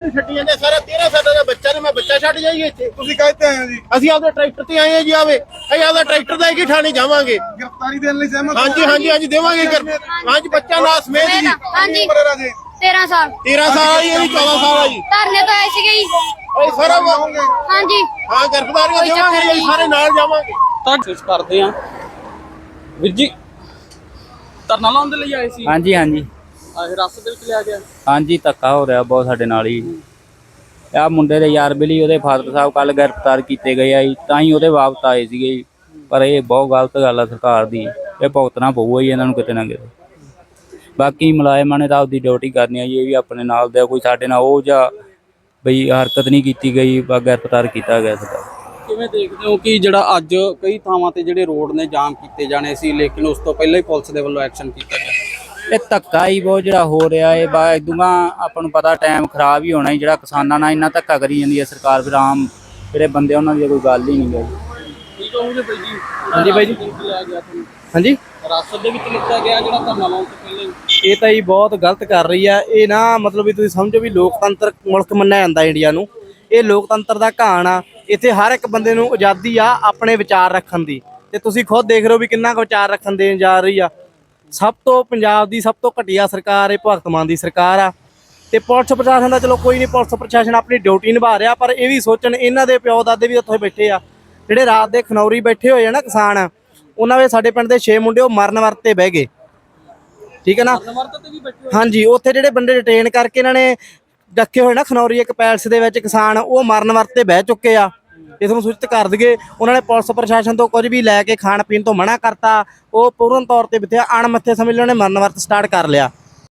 ਛੱਡੀ ਜਾਂਦੇ ਸਾਰਾ 13 ਸਾਲਾਂ ਦਾ ਬੱਚਾ ਨੇ ਮੈਂ ਬੱਚਾ ਛੱਡ ਜਾਈਏ ਇੱਥੇ ਤੁਸੀਂ ਕਾਹਤੇ ਆਏ ਹੋ ਜੀ? ਅਸੀਂ ਆਪਦੇ ਟਰੈਕਟਰ ਤੇ ਆਏ ਆ ਜੀ ਆਵੇ ਅਸੀਂ ਆਪਦਾ ਟਰੈਕਟਰ ਦਾ ਹੀ ਥਾਣੇ ਜਾਵਾਂਗੇ ਗ੍ਰਿਫਤਾਰੀ ਦੇਣ ਲਈ ਸਹਿਮਤ ਹੋ? ਹਾਂਜੀ ਦੇਵਾਂਗੇ ਹਾਂਜੀ ਬੱਚਾ ਨਾਲ ਸਮੇਤ ਜੀ ਹਾਂਜੀ ਉਮਰ ਹੈ ਰਾਜੇ 13 ਸਾਲ 13 ਸਾਲ ਆ ਜੀ ਇਹਦੀ 14 ਸਾਲ ਆ ਜੀ ਧਰਨੇ ਤੋਂ ਆਏ ਸੀਗੇ ਜੀ ਅਸੀਂ ਸਾਰਾ ਹਾਂਜੀ ਹਾਂ ਗ੍ਰਿਫਤਾਰੀਆਂ ਦੇਵਾਂਗੇ ਜੀ ਅਸੀਂ ਸਾਰੇ ਨਾਲ ਜਾਵਾਂਗੇ ਕੋਸ਼ਿਸ਼ ਕਰਦੇ ਆ ਵੀਰ ਜੀ ਧਰਨਾ ਲਾਉਣ ਦੇ ਲਈ ਆਏ ਸੀ ਹਾਂਜੀ ਹਿਰਾਸਤ ਦੇ ਵਿੱਚ ਲਿਆ ਗਿਆ ਹਾਂਜੀ ਧੱਕਾ ਹੋ ਰਿਹਾ ਬਹੁਤ ਸਾਡੇ ਨਾਲ ਹੀ ਆ ਮੁੰਡੇ ਦੇ ਯਾਰ ਬੇਲੀ ਉਹਦੇ ਫਾਦਰ ਸਾਹਿਬ ਕੱਲ ਗ੍ਰਿਫਤਾਰ ਕੀਤੇ ਗਏ ਆ ਜੀ ਤਾਂ ਹੀ ਉਹਦੇ ਵਾਪਸ ਆਏ ਸੀਗੇ ਜੀ ਪਰ ਇਹ ਬਹੁਤ ਗਲਤ ਗੱਲ ਆ ਸਰਕਾਰ ਦੀ ਇਹ ਭੁਗਤਣਾ ਪਊਗਾ ਜੀ ਇਹਨਾਂ ਨੂੰ ਕਿਤੇ ਨਾ ਕਿਤੇ ਬਾਕੀ ਮੁਲਾਜ਼ਮਾਂ ਨੇ ਤਾਂ ਆਪਦੀ ਡਿਊਟੀ ਕਰਨੀ ਆ ਜੀ ਇਹ ਵੀ ਆਪਣੇ ਨਾਲ ਦੇ ਕੋਈ ਸਾਡੇ ਨਾਲ ਉਹ ਜਾਂ ਬਈ ਹਰਕਤ ਨਹੀਂ ਕੀਤੀ ਗਈ বা ਗ੍ਰਿਫਤਾਰ ਕੀਤਾ ਗਿਆ ਸਾਡਾ ਕਿਵੇਂ ਦੇਖਦੇ ਹੋ ਕਿ ਜਿਹੜਾ ਅੱਜ ਕਈ ਥਾਵਾਂ ਤੇ ਜਿਹੜੇ ਰੋਡ ਨੇ ਜਾਮ ਕੀਤੇ ਜਾਣੇ ਸੀ ਲੇਕਿਨ ਉਸ ਤੋਂ ਪਹਿਲਾਂ ਹੀ ਪੁਲਿਸ ਦੇ ਵੱਲੋਂ ਐਕਸ਼ਨ ਕੀਤਾ ਗਿਆ ਇਹ ਧੱਕਾ ਹੀ ਬਹੁਤ ਜਿਹੜਾ ਹੋ ਰਿਹਾ ਇਹ ਇਦੂਗਾ ਆਪਾਂ ਨੂੰ ਪਤਾ ਟਾਈਮ ਖਰਾਬ ਹੀ ਹੋਣਾ ਜਿਹੜਾ ਕਿਸਾਨਾਂ ਨਾਲ ਇੰਨਾ ਧੱਕਾ ਕਰੀ ਜਾਂਦੀ ਹੈ ਸਰਕਾਰ ਫਿਰ ਆਮ ਜਿਹੜੇ ਬੰਦੇ ਉਹਨਾਂ ਦੀ ਕੋਈ ਗੱਲ ਹੀ ਨਹੀਂ ਗਈ ਠੀਕ ਹੋਊਗੇ ਬਾਈ ਜੀ ਹਾਂਜੀ ਬਾਈ ਜੀ ਲਿਆ ਗਿਆ ਤੁਹਾਨੂੰ ਹਾਂਜੀ ਹਿਰਾਸਤ ਦੇ ਵਿੱਚ ਲਿੱਤਾ ਗਿਆ ਜਿਹੜਾ ਧਰਨਾ ਲਾਉਣ ਤੋਂ ਪਹਿਲਾਂ ਹੀ ਇਹ ਤਾਂ ਹੀ ਬਹੁਤ ਗਲਤ ਕਰ ਰਹੀ ਆ ਇਹ ਨਾ ਮਤਲਬ ਵੀ ਤੁਸੀਂ ਸਮਝੋ ਵੀ ਲੋਕਤੰਤਰ ਮੁਲਕ ਮੰਨਿਆ ਜਾਂਦਾ ਇੰਡੀਆ ਨੂੰ ਇਹ ਲੋਕਤੰਤਰ ਦਾ ਘਾਣ ਆ ਇੱਥੇ ਹਰ ਇੱਕ ਬੰਦੇ ਨੂੰ ਆਜ਼ਾਦੀ ਆ ਆਪਣੇ ਵਿਚਾਰ ਰੱਖਣ ਦੀ ਤੇ ਤੁਸੀਂ ਖੁਦ ਦੇਖ ਰਹੇ ਹੋ ਵੀ ਕਿੰਨਾ ਕੁ ਵਿਚਾਰ ਰੱਖਣ ਦੇਣ ਜਾ ਰਹੀ ਆ ਸਭ ਤੋਂ ਪੰਜਾਬ ਦੀ ਸਭ ਤੋਂ ਘਟੀਆ ਸਰਕਾਰ ਇਹ ਭਗਤ ਮਾਨ ਦੀ ਸਰਕਾਰ ਆ ਤੇ ਪੁਲਿਸ ਪ੍ਰਸ਼ਾਸਨ ਦਾ ਚਲੋ ਕੋਈ ਨਹੀਂ ਪੁਲਿਸ ਪ੍ਰਸ਼ਾਸਨ ਆਪਣੀ ਡਿਊਟੀ ਨਿਭਾ ਰਿਹਾ ਪਰ ਇਹ ਵੀ ਸੋਚਣ ਇਹਨਾਂ ਦੇ ਪਿਓ ਦਾਦੇ ਵੀ ਉੱਥੇ ਬੈਠੇ ਆ ਜਿਹੜੇ ਰਾਤ ਦੇ ਖਨੌਰੀ ਬੈਠੇ ਹੋਏ ਆ ਨਾ ਕਿਸਾਨ ਉਹਨਾਂ ਦੇ ਸਾਡੇ ਪਿੰਡ ਦੇ 6 ਮੁੰਡੇ ਉਹ ਮਰਨ ਵਰਤੇ ਬਹਿ ਗਏ ਠੀਕ ਹੈ ਨਾ ਹਾਂਜੀ ਉੱਥੇ ਜਿਹੜੇ ਬੰਦੇ ਡਿਟੇਨ ਕਰਕੇ ਇਹਨਾਂ ਨੇ ਰੱਖੇ ਹੋਏ ਨਾ ਖਨੌਰੀ ਇੱਕ ਪੈਲਸ ਦੇ ਵਿੱਚ ਕਿਸਾਨ ਉਹ ਮਰਨ ਵਰਤੇ ਬਹਿ ਚੁੱਕੇ ਆ ਇਸ ਨੂੰ ਸੂਚਿਤ ਕਰ ਦਈਏ ਉਹਨਾਂ ਨੇ ਪੁਲਿਸ ਪ੍ਰਸ਼ਾਸਨ ਤੋਂ ਕੁਝ ਵੀ ਲੈ ਕੇ ਖਾਣ ਪੀਣ ਤੋਂ ਮਨਾ ਕਰਤਾ ਉਹ ਪੂਰਨ ਤੌਰ ਤੇ ਬਿਥਿਆ ਅਣਮੱਥੇ ਸਮਝ ਲਓ ਨੇ ਮਰਨ ਵਰਤ ਸਟਾਰਟ ਕਰ ਲਿਆ